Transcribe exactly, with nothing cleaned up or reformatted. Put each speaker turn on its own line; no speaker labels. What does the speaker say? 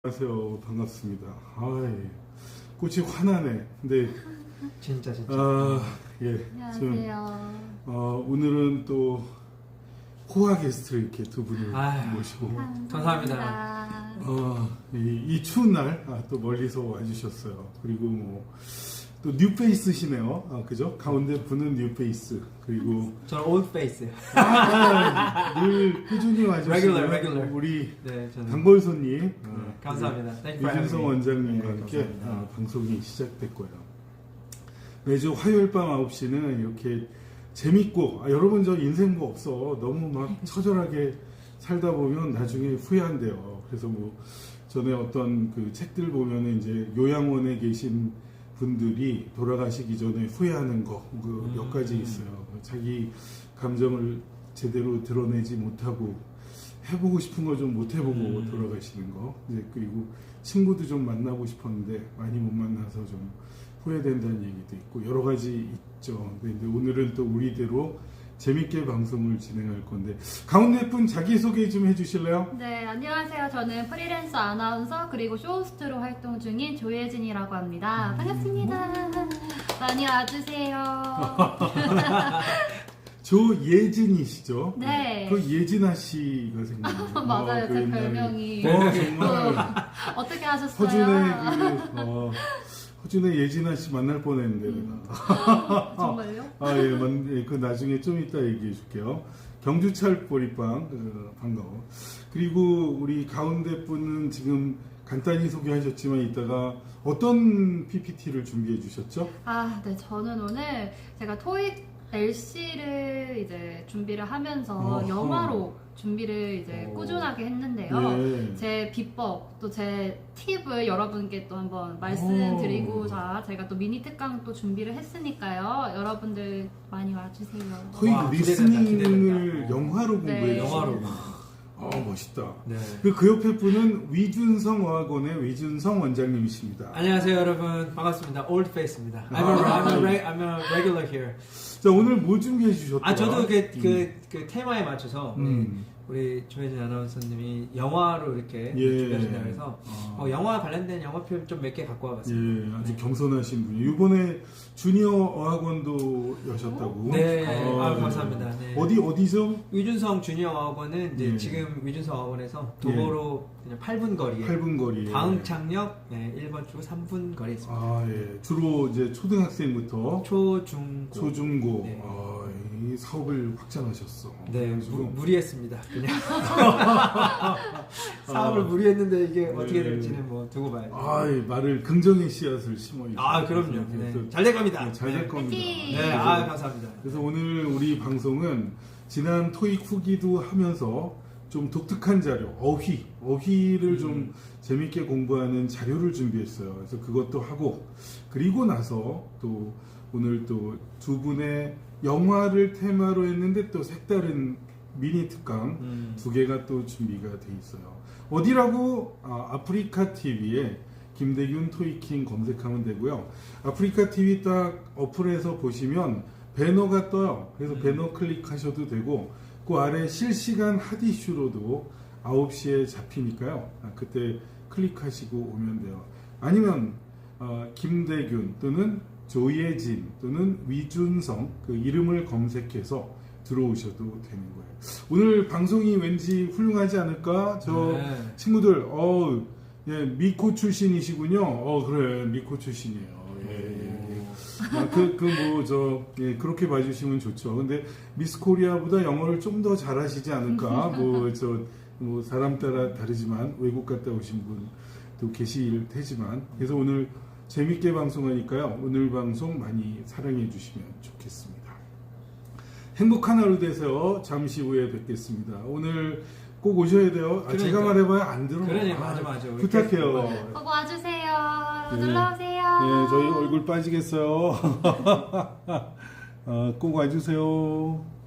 안녕하세요. 반갑습니다. 아이, 꽃이 화나네. 근데
진짜 진짜.
아, 예.
안녕하세요.
어, 오늘은 또 호화 게스트를 이렇게 두 분을
아유,
모시고
감사합니다.
어, 이, 이 추운 날 또 멀리서 와주셨어요. 그리고 뭐 또 뉴페이스시네요. 아, 그죠? 가운데 분은 뉴페이스. 그리고
저는 old face.
아, 늘 꾸준히 와주시는
Regular, regular.
우리
네, 저는.
단골손님
네, 감사합니다. Thank you for
유준성
having me.
원장님과
네,
함께
감사합니다.
아, 방송이 시작됐고요. 매주 화요일 밤 아홉 시는 이렇게 재밌고, 아, 여러분 저 인생 뭐 없어. 너무 막 처절하게 살다 보면 나중에 후회한대요. 그래서 뭐 전에 어떤 그 책들 보면은 이제 요양원에 계신 분들이 돌아가시기 전에 후회하는 거, 그 몇 가지 있어요. 자기 감정을 제대로 드러내지 못하고 해보고 싶은 거 좀 못 해보고
음.
돌아가시는 거. 이제 그리고 친구도 좀 만나고 싶었는데 많이 못 만나서 좀 후회된다는 얘기도 있고 여러 가지 있죠. 근데 오늘은 또 우리대로 재밌게 방송을 진행할 건데 가운데 분 자기소개 좀 해주실래요?
네, 안녕하세요. 저는 프리랜서 아나운서 그리고 쇼호스트로 활동 중인 조예진이라고 합니다. 반갑습니다. 많이 와주세요.
조예진이시죠?
네.
그 예진아 씨가 생겼네요.
맞아요.
어, 그
제
옛날에.
별명이.
어, 정말
어떻게 하셨어요?
허준의 그, 어, 허준의 예진아 씨 만날 뻔했는데
음.
내가.
정말요?
아, 예, 만, 예, 그 나중에 좀 이따 얘기해 줄게요. 경주철 보리빵, 어, 반가워. 그리고 우리 가운데 분은 지금 간단히 소개하셨지만 이따가 어떤 피피티를 준비해 주셨죠?
아, 네. 저는 오늘 제가 토익 엘씨를 이제 준비를 하면서
어허.
영화로 준비를 이제
어.
꾸준하게 했는데요.
예.
제 비법 또 제 팁을 여러분께 또 한번 말씀드리고자 제가 또 미니 특강 또 준비를 했으니까요. 여러분들 많이 와주세요.
토익
와,
리스닝을
기대된다, 기대된다.
영화로
네.
공부해
영화로.
아, 멋있다.
네.
그, 그 옆에 분은 위준성 어학원의 위준성 원장님이십니다.
안녕하세요 여러분 반갑습니다. old face입니다. I'm a,
아.
I'm a, re- I'm a regular here.
자, 오늘 뭐 준비해 주셨더라?
아 저도 그,
음.
그, 그 테마에 맞춰서
음.
우리 조혜진 아나운서님이 영화로 이렇게
예.
준비하신다고 해서
아.
어, 영화 관련된 영화 표현 좀 몇 개 갖고 와봤습니다.
예, 아주 겸손하신 분이 이번에 주니어 어학원도 여셨다고.
네,
아,
아,
네.
감사합니다. 네.
어디 어디죠?
위준성 주니어 어학원은 이제
예.
지금 위준성 어학원에서 도보로 그냥 팔 분 거리에
팔 분 거리.
광창역 네, 일 번 출구 삼 분 거리에 있습니다.
아, 예. 주로 이제 초등학생부터
초, 중, 고.
초중고.
네.
아, 이 사업을 확장하셨어.
네,
그래가지고
무, 무리했습니다. 그냥 사업을
아.
무리했는데 이게 어떻게
네.
될지는 뭐 두고 봐야죠.
아, 이 말을 긍정의 씨앗을 심어 주셨어요.
아, 그럼요. 네. 잘 될 겁니다.
잘 될
네.
겁니다.
화이팅!
네, 아, 감사합니다.
그래서 오늘 우리 방송은 지난 토익 후기도 하면서 좀 독특한 자료, 어휘, 어휘를
음.
좀 재밌게 공부하는 자료를 준비했어요. 그래서 그것도 하고, 그리고 나서 또 오늘 또 두 분의 영화를 테마로 했는데 또 색다른 미니 특강
음.
두 개가 또 준비가 돼 있어요. 어디라고? 아, 아프리카 티비에 김대균 토익킹 검색하면 되고요. 아프리카 티비 딱 어플에서 보시면 배너가 떠요. 그래서
음.
배너 클릭하셔도 되고 그 아래 실시간 핫이슈로도 아홉 시에 잡히니까요. 아, 그때 클릭하시고 오면 돼요. 아니면 어, 김대균 또는 조예진 또는 위준성 그 이름을 검색해서 들어오셔도 되는 거예요. 오늘 방송이 왠지 훌륭하지 않을까? 저
네.
친구들 어, 예, 미코 출신이시군요. 어, 그래, 미코 출신이에요. 예, 예, 예. 아, 그, 그, 뭐, 저, 예, 그렇게 봐주시면 좋죠. 근데 미스 코리아보다 영어를 좀 더 잘하시지 않을까? 뭐, 저, 뭐, 사람 따라 다르지만, 외국 갔다 오신 분도 계실 테지만. 그래서 오늘 재밌게 방송하니까요. 오늘 방송 많이 사랑해 주시면 좋겠습니다. 행복한 하루 되세요. 잠시 후에 뵙겠습니다. 오늘 꼭 오셔야 돼요. 아, 제가
그러니까.
말해봐야 안 들어.
그러니
아,
맞아 맞아. 우리
부탁해요.
계속
꼭 와주세요.
네.
놀러오세요.
네, 저희 얼굴 빠지겠어요. 어, 꼭 와주세요.